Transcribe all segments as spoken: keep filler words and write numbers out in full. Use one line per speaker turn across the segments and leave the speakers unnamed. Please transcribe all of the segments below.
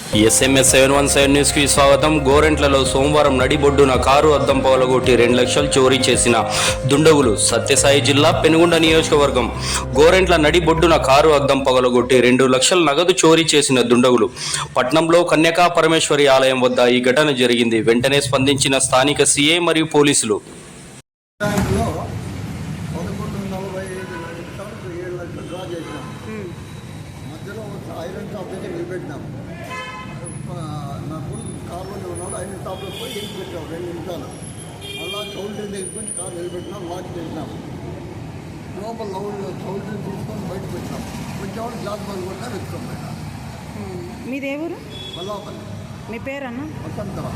SMS seven one seven news కి స్వాగతం. గోరెంట్లలో సోమవారం నడిబొడ్డున కారు అద్దం పగలగొట్టి రెండు లక్షలు చోరీ చేసిన దుండగులు. సత్యసాయి జిల్లా పెనుగొండ నియోజకవర్గం గోరెంట్ల నడిబొడ్డున కారు అద్దం పగలగొట్టి రెండు లక్షల నగదు చోరీ చేసిన దుండగులు. పట్నంలో కన్యకా పరమేశ్వరి ఆలయం వద్ద ఈ ఘటన జరిగింది. వెంటనే స్పందించిన స్థానిక సీఐ మరియు పోలీసులు
మధ్యలో ఐరన్ షాప్ దగ్గర నిలబెట్టినాం. నా కొడుకు కార్లోనే ఉన్నాడు. ఐరన్ షాప్లో పోయి వెళ్ళి పెట్టాం రెండు నిమిషాలు. అలా చౌల్ట్రీ దగ్గర నుంచి కారు నిలబెట్టినాం, లాక్ చేసినాం. లోపల లౌడ్లో చౌల్ట్రీ తీసుకొని బయట పెట్టినాం. వచ్చేవాళ్ళు జాబ్ బంద్ కొట్టినా వెతుకోం బయట.
మీదే ఊరు?
మల్లాపల్లి.
మీ పేరన్నా?
వసంతరా.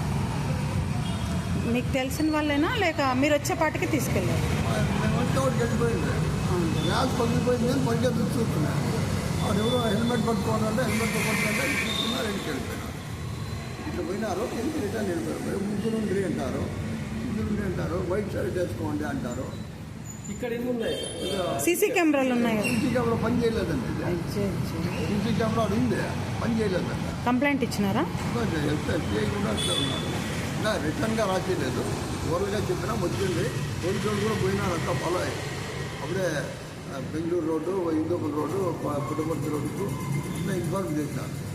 మీకు తెలిసిన వాళ్ళేనా లేక మీరు వచ్చేపాటికి తీసుకెళ్ళారు?
మేము వచ్చేవాడికి వెళ్ళిపోయింది. గ్యాస్ పగిలిపోయింది అని పడిగా చూస్తున్నాను. వాడు ఎవరో హెల్మెట్ పట్టుకోవాలంటే హెల్మెట్ పట్టుకుంటే చూస్తున్నారు, ఇంటికి వెళ్ళిపోయినారు. ఇట్లా పోయినారు, ఇంటికి రిటర్న్ వెళ్ళిపోయారు. ముగ్గురు ఉండ్రి అంటారు, ముగ్గురు ఉండ్రి అంటారు, వైట్ షర్ట్ వేసుకోండి అంటారు. ఇక్కడ ఏమున్నాయి?
సీసీ కెమెరాలు ఉన్నాయి.
సీసీ కెమెరా పని చేయలేదండి. సీసీ కెమెరా ఉంది, పని చేయలేదండి.
కంప్లైంట్ ఇచ్చినారా?
ఎస్ఐ కూడా అట్లా ఉన్నారు. ఇంకా రిటర్న్గా రాసేయలేదు, ఓవర్గా చెప్పినా వచ్చింది. పోలీసులు కూడా పోయినారు, అంతా ఫాలో అయ్యి. అప్పుడే బెంగళూరు రోడ్డు, హిందూపురం రోడ్డు, పుట్టపర్తి రోడ్డుకు ఇన్ఫార్మ్ చేశారు.